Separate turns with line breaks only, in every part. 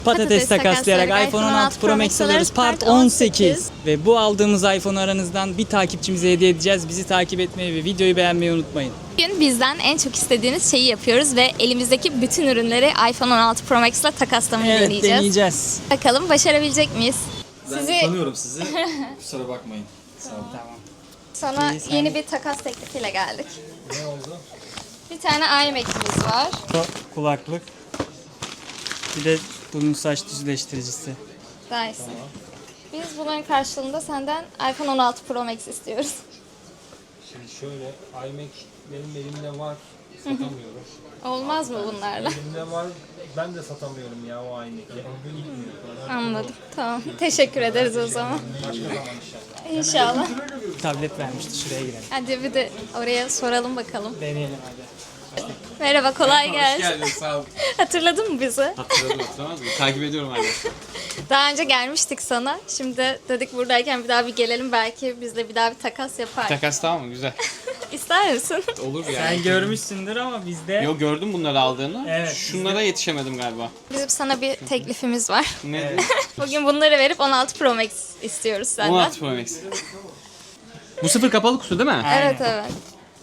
Patates takaslayarak iPhone 16 Pro Max alıyoruz. Part 18. Ve bu aldığımız iPhone aranızdan bir takipçimize hediye edeceğiz. Bizi takip etmeyi ve videoyu beğenmeyi unutmayın.
Bugün bizden en çok istediğiniz şeyi yapıyoruz ve elimizdeki bütün ürünleri iPhone 16 Pro Max ile takaslamayı deneyeceğiz. Bakalım başarabilecek miyiz?
Ben tanıyorum sizi. Kusura bakmayın. Sağ olun.
Tamam.
Sana
sen-
yeni bir takas teklifiyle geldik.
Ne oldu?
Bir tane iMac'imiz var.
Kulaklık. Bir de bunun saç düzleştiricisi.
Dyson. Biz bunların karşılığında senden iPhone 16 Pro Max istiyoruz.
Şimdi şöyle, iMac benim elimde var. Satamıyorum.
Olmaz mı bunlarla?
Elimde var. Ben de satamıyorum ya o iMac'i.
Anladım. Tamam. Teşekkür ederiz o zaman.
Başka zaman inşallah.
İnşallah.
Tablet vermişti. Şuraya girelim.
Hadi bir de oraya soralım bakalım.
Deneyelim hadi.
Merhaba, kolay gelsin.
Hoş geldin, sağ ol.
Hatırladın mı bizi?
Hatırladım, hatırlamaz mıyım? Takip ediyorum hala.
Daha önce gelmiştik sana. Şimdi dedik buradayken bir daha bir gelelim. Belki bizle bir daha bir takas yapar.
Takas tamam mı? Güzel.
İster misin?
Olur yani.
Sen görmüşsündür ama bizde...
Yo gördüm bunları aldığını.
Evet,
Şunlara yetişemedim galiba.
Bizim sana bir teklifimiz var.
Ne?
Bugün bunları verip 16 Pro Max istiyoruz senden.
16 Pro Max. Bu sıfır kapalı kutu değil mi?
Evet evet.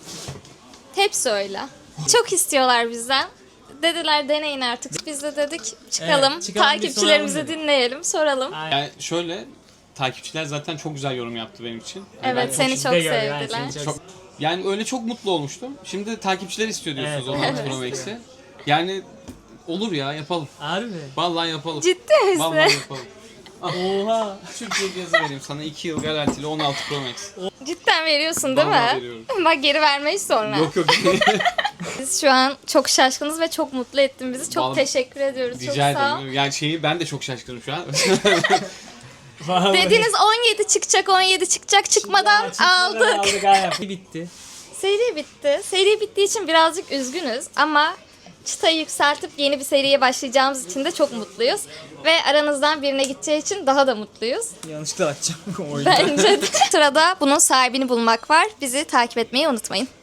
Hepsi öyle. Çok istiyorlar bizden. Dediler deneyin artık. Biz de dedik çıkalım,
Evet, çıkalım, bir
takipçilerimizi
soralım dedik.
dinleyelim, soralım.
Yani şöyle, takipçiler zaten çok güzel yorum yaptı benim için.
Evet seni çok
Bizde gör, yani
sevdiler.
seni
Çok, yani öyle çok mutlu olmuştum. Şimdi takipçiler istiyor diyorsunuz
Evet,
16 Pro Max'i. Yani olur ya, yapalım.
Harbi.
Vallahi yapalım.
Ciddi misin?
Vallahi yapalım.
Oha.
Türkiye cihazı vereyim sana 2 yıl garantili 16 Pro Max.
Cidden veriyorsun değil
Vallahi
mi?
veriyorum.
Bak geri vermeyiz sonra.
Yok yok.
Biz şu an çok şaşkınız ve çok mutlu ettin bizi. Çok
Vallahi-
teşekkür ediyoruz. Çok
Rica
sağ ol.
ederim. Yani ben de çok şaşkınım şu an.
Vallahi.
Dediniz 17 çıkacak, 17 çıkacak çıkmadan aldık.
Aldık. Bitti.
Seri bitti. Seri bittiği için birazcık üzgünüz ama çıtayı yükseltip yeni bir seriye başlayacağımız için de çok mutluyuz. Ve aranızdan birine gideceği için daha da mutluyuz.
Yanlışlıkla açacağım oyunu.
Bence de. Sırada bunun sahibini bulmak var. Bizi takip etmeyi unutmayın.